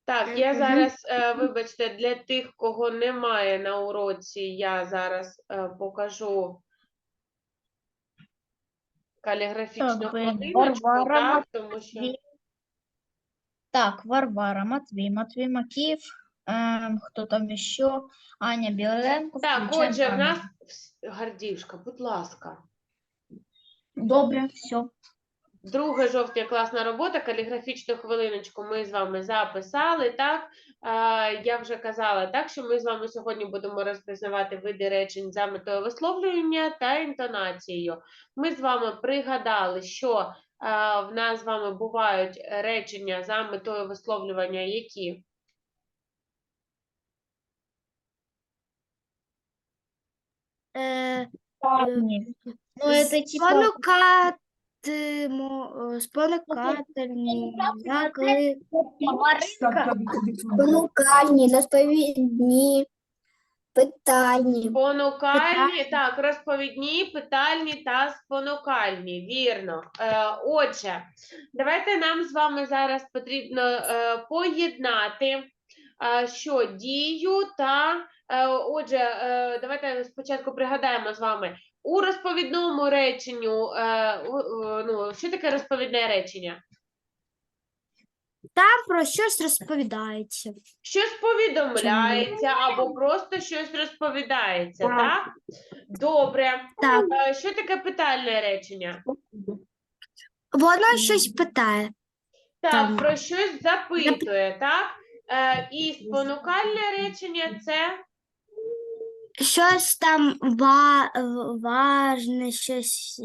Так, я зараз, вибачте, для тих, кого немає на уроці, я зараз покажу каліграфічну хвилиночку, так, тому що... Так, Варвара, Матвей Макеев, кто там еще? Аня Біленко. Так, включаем отже, в Аню. нас... Гардівшка, будь ласка. Добре, все. 2 жовтня класна робота, каліграфічну хвилиночку ми з вами записали, так? Я вже казала, так, що ми з вами сьогодні будемо розпізнавати види речень за метою висловлювання та інтонацією. Ми з вами пригадали, що в нас з вами бувають речення за метою висловлювання, які? Ну, это типа... Спонукательні, Спонукальні, розповідні, питальні. Спонукальні, так, розповідні, питальні та спонукальні, вірно. Отже, давайте нам з вами зараз потрібно поєднати, що дію та, отже, давайте спочатку пригадаємо з вами, у розповідному реченню, що таке розповідне речення? Там про щось розповідається. Щось повідомляється або просто щось розповідається, так? Добре. Так. Що таке питальне речення? Воно щось питає. Так, Там. про щось запитує, так? І спонукальне речення – це? Щось там важне, щось...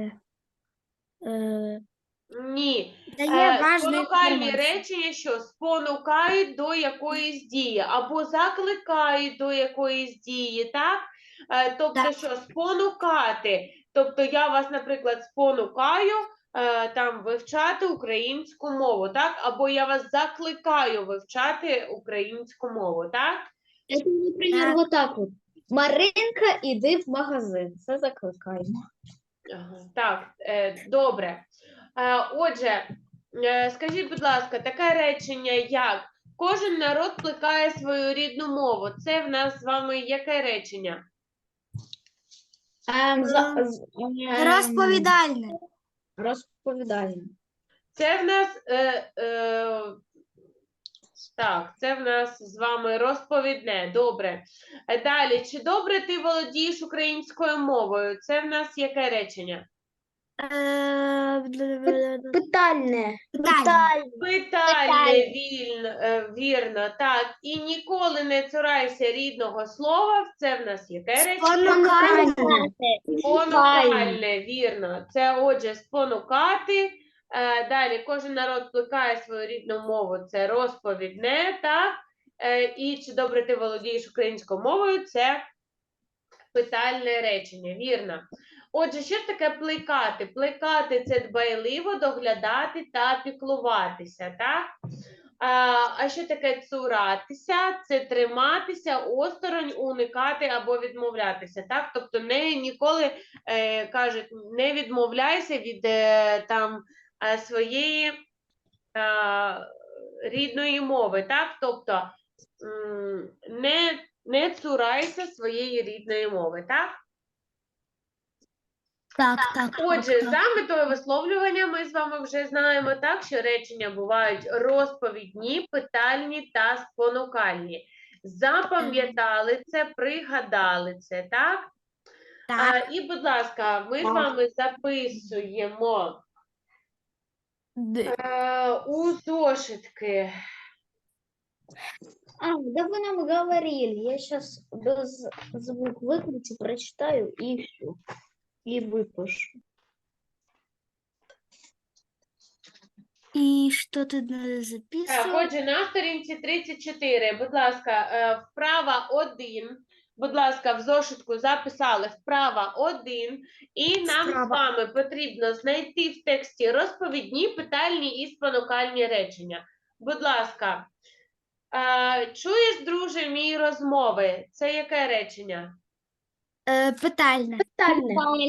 Ні. Дає важну Спонукальні інформацію. речення, що спонукають до якоїсь дії, або закликають до якоїсь дії, так? Тобто, Так. що спонукати. Тобто, я вас, наприклад, спонукаю там вивчати українську мову, так? Або я вас закликаю вивчати українську мову, так? Это, например, Так. вот так вот. Маринка, іди в магазин. Це закликаємо. Ага, так, добре. Отже, скажіть, будь ласка, таке речення, як кожен народ плекає свою рідну мову. Це в нас з вами яке речення? Розповідальне. Розповідальне. Це в нас, так, це в нас з вами розповідне. Добре. Далі, чи добре ти володієш українською мовою? Це в нас яке речення? Питальне. Питальне, вірно, так. І ніколи не цурайся рідного слова. Це в нас яке речення? Спонукальне, вірно. Це, отже, спонукати. Далі, кожен народ плекає свою рідну мову. Це розповідне, так. І чи добре ти володієш українською мовою? Це питальне речення, вірно. Отже, що ж таке плекати? Плекати – це дбайливо доглядати та піклуватися, так? А що таке цуратися? Це триматися осторонь, уникати або відмовлятися, так? Тобто ніколи, кажуть, не відмовляйся від своєї рідної мови, так? Тобто не цурайся своєї рідної мови, так? Так. Отже, за метою висловлювання ми з вами вже знаємо, так, що речення бувають розповідні, питальні та спонукальні. Запам'ятали це, пригадали це, так? Так. І, будь ласка, ми з вами записуємо у зошитки. Да вы нам говорили. Я сейчас без звук выключу, прочитаю и все. И выпишу. І що тут треба Так, записувати? отже, на сторінці 34, будь ласка, вправа 1, будь ласка, в зошитку записали вправа 1, і нам з вами потрібно знайти в тексті розповідні, питальні і спонукальні речення. Будь ласка, чуєш, друже, мій розмови? Це яке речення? Питальне.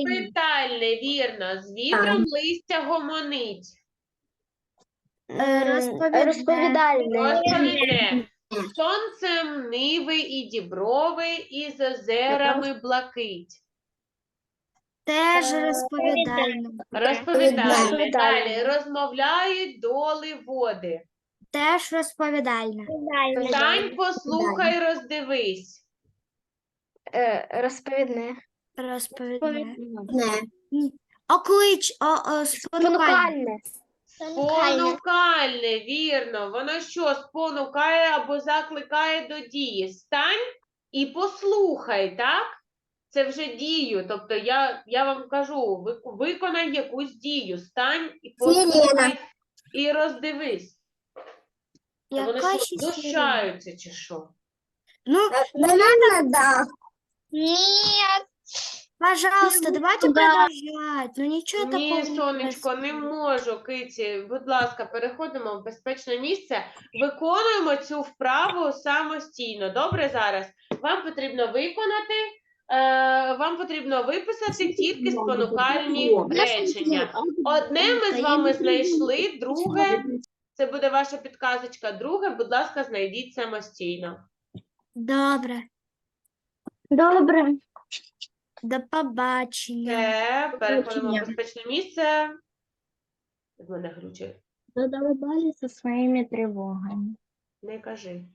Питальне, вірно. З вітром листя гомонить. Розповідальне. Розповідне. Сонцем ниви і діброви, і з озерами блакить. Теж розповідальне. Розповідальне. Розповідальне. Далі. Розмовляють доли води. Теж розповідальне. Стань, послухай, роздивись. Розповідне. Розповідне. Не. Оклич, спонукальне. Спонукальне, вірно. Воно що, спонукає або закликає до дії. Стань і послухай, так? Це вже дію. Тобто я вам кажу, виконай якусь дію. Стань і послухай, і роздивись. А вони Яка що, ще знущаються чи що? Ну, Наверное, да. пожалуйста, давайте продовжать. Ну нічого такого. Ні, не сонечко, не можу, Киці. Будь ласка, переходимо в безпечне місце. Виконуємо цю вправу самостійно. Добре зараз? Вам потрібно вам потрібно виписати тільки спонукальні речення. Одне ми з вами знайшли, друге, це буде ваша підказочка. Друге, будь ласка, знайдіть самостійно. Добре. Добре. До побачення. Це, переходимо в безпечне місце. В мене глючить. Задолбали со своими тривогами. Не кажи.